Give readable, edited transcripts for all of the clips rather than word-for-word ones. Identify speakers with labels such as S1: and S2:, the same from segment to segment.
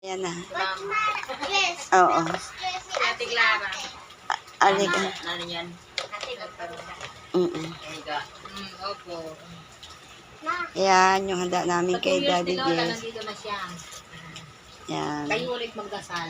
S1: Yan na.
S2: Yes.
S1: Oo.
S3: Ate Clara.
S1: Alika.
S3: Ano yan? Alika. Opo.
S1: Yan, yung handa namin kay Daddy
S3: Lola,
S1: Jess.
S3: nandito na siya.
S1: Yan.
S3: Kayo ulit magdasal.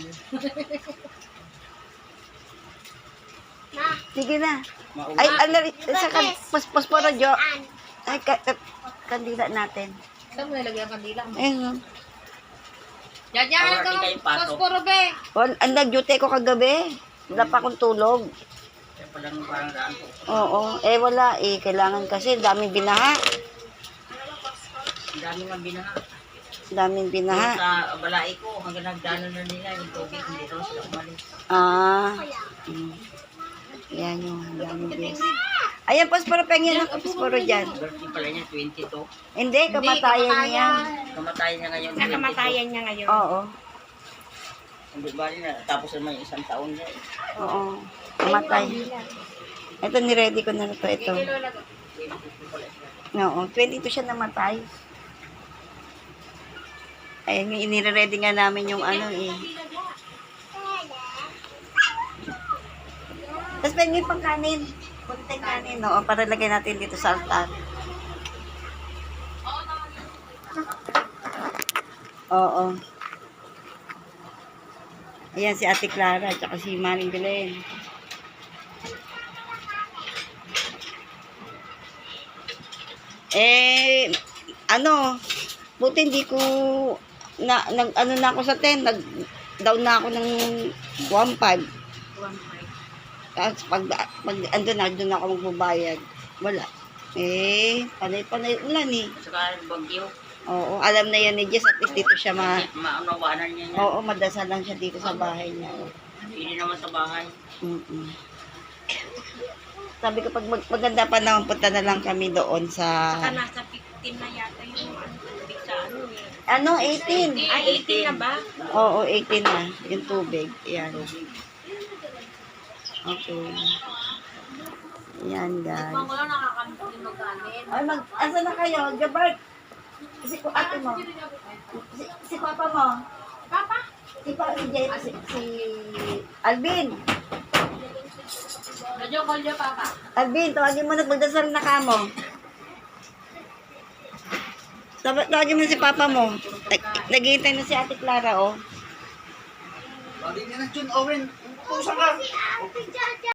S1: Sige na. Ay, ano, sa posporo, Jo. Ay, kandila natin.
S3: Saan mo nilagay ang kandila mo?
S1: Ayun.
S3: Diyan ka ng posporo, be.
S1: Ang nag-duty ko kagabi. Wala pa akong tulog.
S3: Yan palang parang daan po.
S1: Oo. Eh, wala eh. Kailangan kasi. Daming binaha.
S3: Ang dami nga binaha.
S1: Daming binaha.
S3: Sa balai ko, hanggang nagdano na nila yung tubig, hindi daw sila umalis.
S1: Ah. Yan yung daming bes. Ayan, posporo. Pengyan ang posporo dyan.
S3: Birthday pala niya, 22.
S1: Hindi, kamatayan niya.
S3: Kamatayan niya ngayon, 22.
S2: Nakamatayan niya ngayon.
S1: Oo.
S3: Hindi ba rin na, tapos naman yung isang taon niya.
S1: Oo. Kamatay. Ito, niready ko na ito. Ito. Oo, 22 siya namatay. Ayun, inire-ready nga namin yung ano eh. Tapos pengin pang kanin. Kunting kanin, no? Para lagay natin dito sa altar. Oo. Ayan si Ate Clara at saka si Maring Belen. Eh, ano, buti hindi ko ano na ako sa 10, nag-down na ako ng 1.5. Tapos pag andun na, doon ako magbabayad. Wala. Eh, panay-panay ulan eh.
S3: Saka bagyo.
S1: Oo, alam na yan ni Jess at least dito siya
S3: Maunawanan niya niya.
S1: Oo, madasal lang siya dito sa bahay niya.
S3: Hindi naman sa bahay.
S1: Sabi ko, pag maganda pa naman, punta na lang kami doon sa...
S2: Saka nasa 15 na yata yung tubig sa ano eh.
S1: Ano, 18?
S2: Ay, 18 na ba?
S1: Oo, 18 na. Yung tubig. Yan. Okay. Yan, guys.
S3: Wala nakakalimutan yung magkanin.
S1: Ay, asa na kayo? Gabart! Si ate mo. Si papa mo.
S2: Papa?
S1: Si Alvin.
S3: Radyo, call niya, Papa.
S1: Alvin, tawagin mo na magdasal na ka mo. Tawagin mo si papa mo. Naghihintay na si Ate Clara, oh.
S3: Bagay niya na, Jun Owen. Pusa ka.